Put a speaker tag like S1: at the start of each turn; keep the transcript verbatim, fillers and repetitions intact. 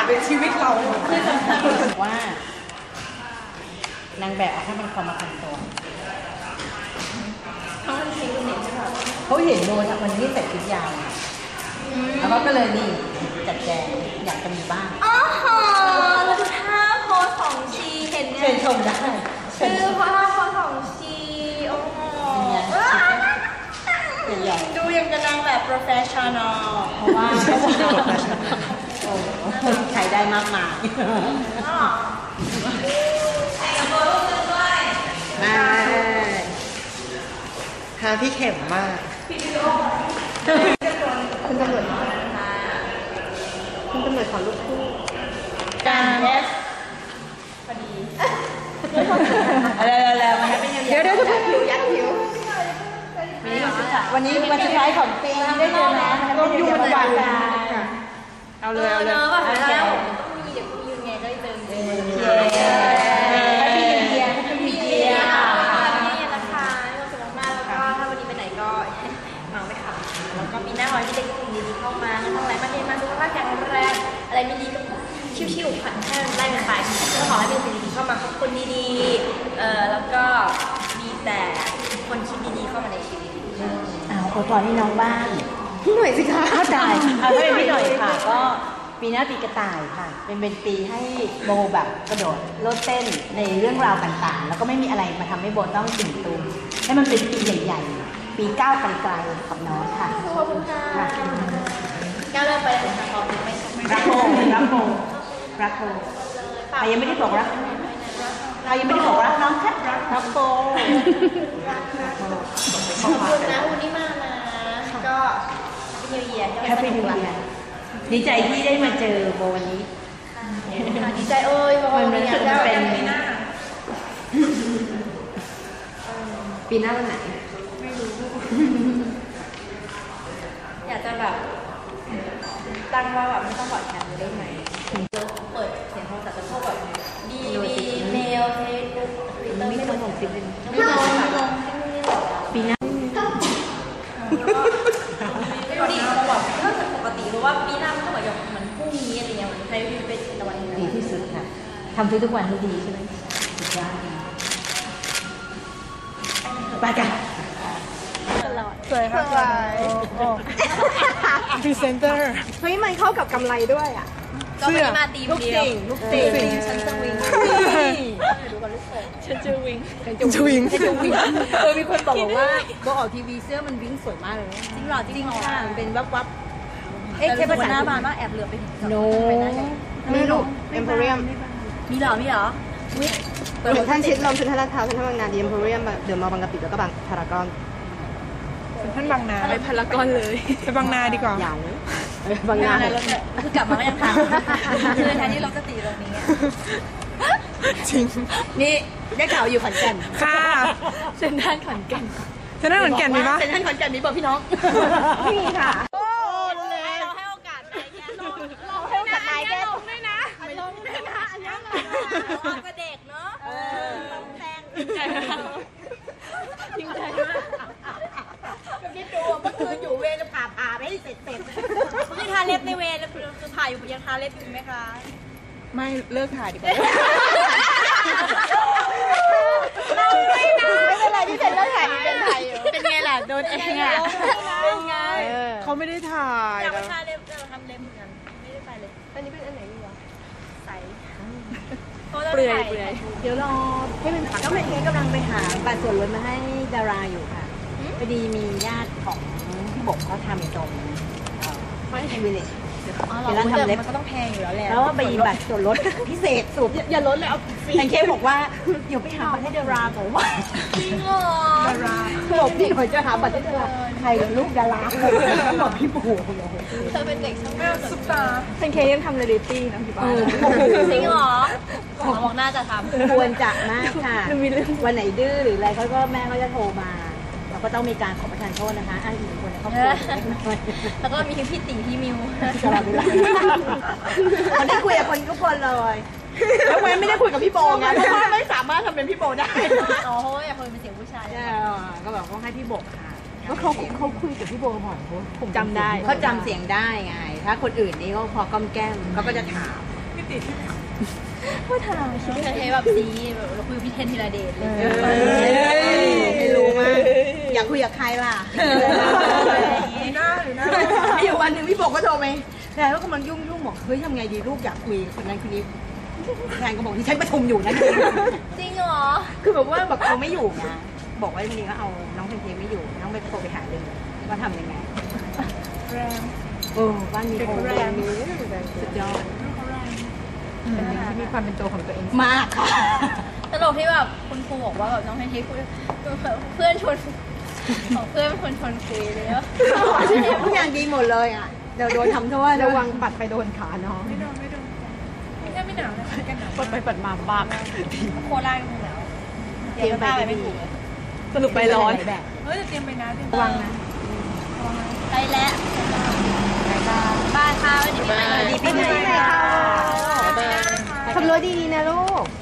S1: ดในชีวิตเรา
S2: คือว่านางแบบถ้ามันความมาคันตัว
S3: เขาเห็นเน็ตใช่ไหม
S2: เขาเห็นโดนวันนี้ใส่ชุดยาวแล้วก็เลยนี่จัดแจงอยากจะมีบ้าง
S3: อ๋อแล้วท่าโพสของชีเห็นเนี่ย
S2: เชิญชมได้
S3: คือเพราะท่าโพสของชีโอ้โหดูยังกำลังแบบ professional
S2: เพราะว่าโอ้ใช้ได้มากมาย
S1: หาพี่เข็มมาก
S2: คุณตำรวจคุณตำรวจขอลูกคู่
S3: การเอสพอดี
S2: อะไรๆๆมาให้เป็นเดี๋ยวเดี๋ยวจะพูดผิวยัดผิววันนี้วันสุดท้ายของปีได้เจอนะต้องอยู่วันวัน
S3: เอาเลยเอาเลยแบบแล้วต้องมีเดี๋ยวมีไงได้เจอเ
S2: ให้พี่เดียให้พี่เดีย
S3: ค่ะนี่นะคะเราสนุกมากแล้วก็ถ้าวันนี้ไปไหนก็เมาไม่ขับแล้วก็มีหน้าร้อยที่ได้สิ่งดีๆเข้ามาทั้งอะไรมาเรียนมาสุขภาพแข็งแรงอะไรไม่ดีก็ชิวๆผ่านแค่ไล่กันไปก็ขอให้เป็นสิ่งดีๆเข้ามาคนดีๆเอ่อแล้วก็มีแต่คนคิดดีๆเข้ามาในชีวิต
S2: อ้าวขอพรให้น้องบ้าง
S1: พี่หน่อยสิคะ
S2: เข้าใจเอาถ้าเป็นพี่หน่อยค่ะก็ปีหน้าปีกระต่ายค่ะเป็นเป็นปีให้โบแบบกระโดดโลดเต้นในเรื่องราวต่างๆแล้วก็ไม่มีอะไรมาทำให้โบต้องตื่นตูมให้มันเป็นปีใหญ่ๆปีก้าวไกลๆกับน้องค่ะ
S3: ขอบคุณค่ะก้าวเริ่มไปถึงทางความไม่
S2: รักโบรักโบรักโบใครยังไม่ได้บอกรักใครยังไม่ได้บอกรักน้องแค่รักโบ
S3: ขอบคุณนะวันนี้มานะก็นิวเยียร์
S2: แฮปปี้นิวเยียร์ดีใจที่ได้มาเจอโบวันนี้
S3: ดีใจเอ้ย
S2: มันมันคือเป็นปีหน้าปีหน้าวันไหน
S3: ไม่รู้อยากจะแบบตั้งว่าแบบไม่ต้องบอดแคมได้ไหมเปิดเสียงโทรศัพท์จะพวกแบบดีดีเมลเฟซบุ๊กทวิตเตอร์ไม่ลงสิเป็นไม่ลงไม่ลง
S2: ปีหน้า
S3: ไม่ดีเขาบอกถ้าจะปกติเพราะว่าปีหน้ามันต้องแบบเหมือนพรุ่งนี้อะไรเงี้ยเหมือนใช้ชีวิตเป็นตะวัน
S2: ดีที่สุดค่ะทำทุกวันให้ดีใช่ไหมสุดยอดไปกัน
S1: สวยค่ะสวยพรีเซนเตอร์
S3: เฮ้ยมันเข้ากับกำไรด้วยอ่ะก็ไม่มาตี
S2: ลูกติ่งลูกติ่ง
S3: ฉันจะวิ่งดูกันลูกเขยฉันจะวิ่ง
S1: ฉันจะวิ่ง
S2: ฉันจะวิ่งเออมีคนบอกว่าโบออกทีวีเสื้อมันวิ่งสวยมากเลย
S3: จริงหรอ
S2: จริงค่ะมันเป็นวับวับ
S3: เอ๊ะใช่ภาษาหน้าบานว่าแอบเหลือไปถึง
S2: โน้ไม่รู้
S1: เอ็มโพเรียม
S3: มีหรอมีหรอ
S1: เปิดท่านชิดลมเซ็นทรัลลาดพร้าวเซ็นทรัลบางนาดีเอ็มโพเรียมเดี๋ยวมาบางกะปิแล้วก็บางพารากอน
S4: ท่านบางนา
S3: ไปพารากอนเลย
S4: ไปบางนาดีกว่า
S2: อย่าง
S3: บางนาคือกลับมาก็ยังทำคือแทนที่เราจะตีตรงนี้
S4: จริง
S2: นี่ได้ข่าวอยู่ขอนแก่น
S4: ค่ะ
S3: เซ็นทรัลขอนแก่น
S4: เซ็นทรัลขอนแก่นมีปะ
S2: เซ็นทรัลขอนแก่นมีป่ะพี่น้อง
S3: มีค่ะ
S2: โอ้
S3: เลยเราให้โอกาสนายแกเราให้โอกาสนายแกลงด้วยนะลงด้วยนะอันนี้เราก็เด็กเนาะต้องแซงจริงใจมากจริงใจมาก
S2: คิดดูเมื่อคืนอยู่เวรจะผ่าผ่าไม่ให้เสร็จเสร็จ
S3: ยังทาเล็บในเวรคือผ่าอยู่ยังทาเล็บอยู่ไหมคะ
S4: ไม่เลิกถ่ายดีกว่า
S3: ไม่นะไม่เป็นไรที่เป็นเลิกถ่ายเป็นถ่ายอยู่เป็นไงล่ะโดนเองอ่ะเป็นไง
S4: เขาไม่ได้ถ่าย
S3: อยากไปทาเล็บเราทำเล็บเหมือนกันไม่ได้ไปเลยอันนี้เป็นอันไหนดีวะใส
S2: เปลือยเปลือยเดี๋ยวรอให้มันก็เหมือนกันกำลังไปหาบัตรส่วนลดมาให้ดาราอยู่ค่ะพอดีมีญาติของพี่บกเขาทำตรงไม่ใช่วิลเลจ
S3: เวลาทำเล็บมันก็ต้องแพงอยู่แล้วแหละ
S2: แล้วว่าไปบัตรส่วนลดพิเศษสุด
S3: อย่าลดเลยเอา
S2: แพนเค้กบอกว่าเดี๋ยวไปหาบัตรให้ดาราก่อนว่า
S3: จริงเหรอ
S2: ดาราบอกพี่เขาจะหาบัตรให้ดาราใครลูกดาราบอกพี่ปู่
S3: เธอเป็นเด็กช่างภาพ
S4: ซุปตา
S3: แพนเค้กยังทำเรียลิตี้นะพี่บ้านจริงเหรอบอกน่าจะทำ
S2: ควรจะมากค่ะวันไหนดื้อหรืออะไรเขาก็แม่เขาจะโทรมาเราก็ต้องมีการขอประทานโทษนะคะอ้างอิงคนในครอบครัว
S3: แล้วก็มีพี่ติ๋งพี่มิว
S2: ตลอดเวลาเขาได้คุยกับคนทุกคนเลยแล้วเว้นไม่ได้คุยกับพี่โบไงเพราะว่าไม่สามารถทำเป็นพี่โบได้
S3: อ๋ออยากคุยเป็นเสียงผู้ชาย
S2: ก็แบบว่าให้พี่โบค่ะ
S4: ว่าเขาเขาคุยกับพี่โบบ่อยเขา
S2: จำได้เขาจำเสียงได้ไงถ้าคนอื่นนี่ก็พอก้มแก้มเขาก็จะถาม
S4: ติด
S3: พูดทางคิดว่าเทแบบซีแบบเราคุยกับพี่เทนธีรเดชเลย
S2: ไม่รู้มากอยากคุยกับใครล่ะ
S4: หน้าหรือหน้า
S2: มีอยู่วันหนึ่งพี่บอกก็โทรไปแทนก็กำลังยุ่งยุ่งบอกเฮ้ยทำไงดีลูกอยากคุยคนนั้นคนนี้แทนก็บอกที่ฉันประชุมอยู่นะ
S3: จริงเหรอ
S2: คือแบบว่าแบบเขาไม่อยู่นะบอกว่าวันนี้ก็เอาน้องเพนเทไม่อยู่น้องไปโทรไปหาเลยว่าทำยังไง
S4: แรง
S2: เออบ้านมีโคแรมสุดยอด
S4: เป็นเด็กที่มีความเป็นตัวของตัวเอง
S2: มากค่ะ
S3: ตลกที่แบบคุณครูบอกว่าแบบน้องเทนทีคุยเพื่อนชวนของเพื่อนเป็นคนชวนคุยเลยว่า
S2: ทุกอย่างดีหมดเลยอ่ะเดี๋ยวโดนทำโทษ
S4: ระวังปัดไปโดนขาน้อง
S3: ไม่โดนไม่โดนไม่ใช่ไม่หนาวนะกันหนาว
S4: ปัดไปปัดมาบ้า
S3: โคราชก็หนาวเตรียมไปไม่ถูก
S4: สรุปไปร้อน
S2: แบบ
S3: เฮ้ยจะเตรียมไปนะเตรียม
S4: ระวังนะ
S3: ไปแล้วบ้านค่ะวันนี้ปีใหม่
S2: ดีปีใหม่ค่ะขับรถดีๆนะลูก